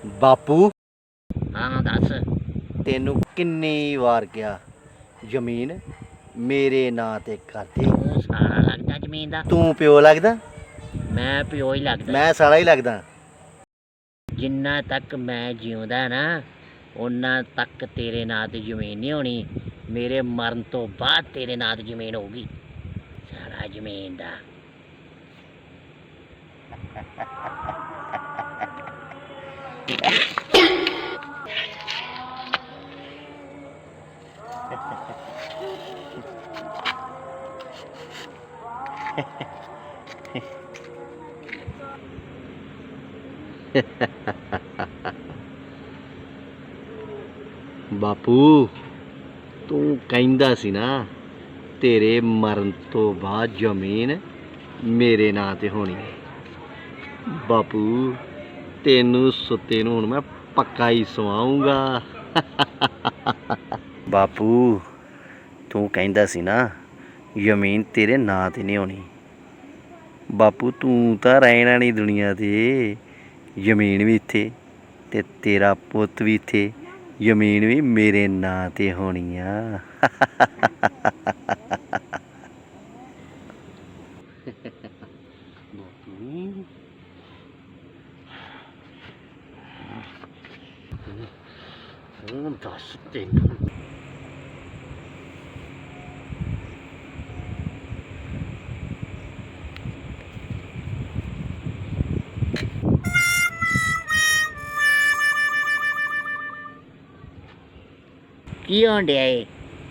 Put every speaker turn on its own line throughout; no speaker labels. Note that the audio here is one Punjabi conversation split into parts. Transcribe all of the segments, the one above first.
ਬਾਪੂ
ਹਾਂ ਦੱਸ।
ਤੈਨੂੰ ਕਿੰਨੀ ਵਾਰ ਕਿਹਾ ਜ਼ਮੀਨ ਮੇਰੇ ਨਾਂ ਤੇ ਕਰ ਦੇ।
ਤੂੰ ਸਾਲਾ ਲੱਗਦਾ ਜ਼ਮੀਨ ਦਾ।
ਤੂੰ ਪਿਓ ਲੱਗਦਾ,
ਮੈਂ ਪਿਓ ਹੀ ਲੱਗਦਾ।
ਮੈਂ ਸਾਲਾ ਹੀ ਲੱਗਦਾ।
ਜਿੰਨਾ ਤੱਕ ਮੈਂ ਜਿਉਂਦਾ ਨਾ ਉਹਨਾਂ ਤੱਕ ਤੇਰੇ ਨਾਂ ਤੇ ਜ਼ਮੀਨ ਨਹੀਂ ਹੋਣੀ। ਮੇਰੇ ਮਰਨ ਤੋਂ ਬਾਅਦ ਤੇਰੇ ਨਾਂ ਤੇ ਜ਼ਮੀਨ ਹੋਊਗੀ। ਸਾਲਾ ਜ਼ਮੀਨ ਦਾ।
ਬਾਪੂ ਤੂੰ ਕਹਿੰਦਾ ਸੀ ਨਾ ਤੇਰੇ ਮਰਨ ਤੋਂ ਬਾਅਦ ਜ਼ਮੀਨ ਮੇਰੇ ਨਾਂ ਤੇ ਹੋਣੀ ਹੈ। ਬਾਪੂ ਤੈਨੂੰ ਸੁੱਤੇ ਨੂੰ ਹੁਣ ਮੈਂ ਪੱਕਾ ਹੀ ਸਵਾਉਂਗਾ। ਬਾਪੂ ਤੂੰ ਕਹਿੰਦਾ ਸੀ ਨਾ ਜ਼ਮੀਨ ਤੇਰੇ ਨਾਂ ਤੇ ਨਹੀਂ ਹੋਣੀ। ਬਾਪੂ ਤੂੰ ਤਾਂ ਰਹਿਣਾ ਨਹੀਂ ਦੁਨੀਆ ਤੇ। ਜ਼ਮੀਨ ਵੀ ਇੱਥੇ ਤੇ ਤੇਰਾ ਪੁੱਤ ਵੀ ਇੱਥੇ। ਜ਼ਮੀਨ ਵੀ ਮੇਰੇ ਨਾਂ ਤੇ ਹੋਣੀ ਆ। ਹੁਣ ਦੱਸ ਤੈਨੂੰ
ਕੀ ਹੋਣ ਡਿਆ ਏ?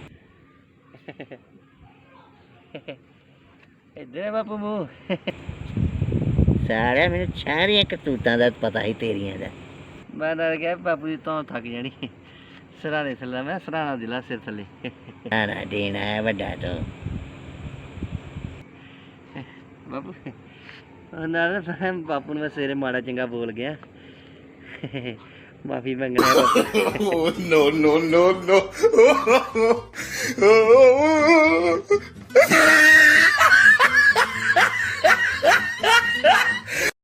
ਇੱਧਰ ਬਾਪੂ ਮੂੰਹ।
ਸਾਰਿਆਂ ਮੈਨੂੰ ਸਾਰੀਆਂ ਕਰਤੂਤਾਂ ਦਾ ਪਤਾ ਹੀ ਤੇਰੀਆਂ ਦਾ।
ਮੈਂ ਡਰ ਗਿਆ ਬਾਪੂ ਜੀ ਤੋਂ ਥੱਕ ਜਾਣੀ। ਸਰਾਣੇ ਥੱਲੇ ਮੈਂ ਸਰਾਣਾ ਦਿਲਾ ਸਿਰ ਥੱਲੇ।
ਨਾ ਦੇਣਾ ਹੈ ਵੱਡਾ ਤੋਂ।
ਬਾਪੂ ਨਾਲ ਬਾਪੂ ਨੂੰ ਮੈਂ ਸਵੇਰੇ ਮਾੜਾ ਚੰਗਾ ਬੋਲ ਗਿਆ। ਮਾਫੀ ਮੰਗਣਾ ਬਾਪੂ।
no, no, no, no.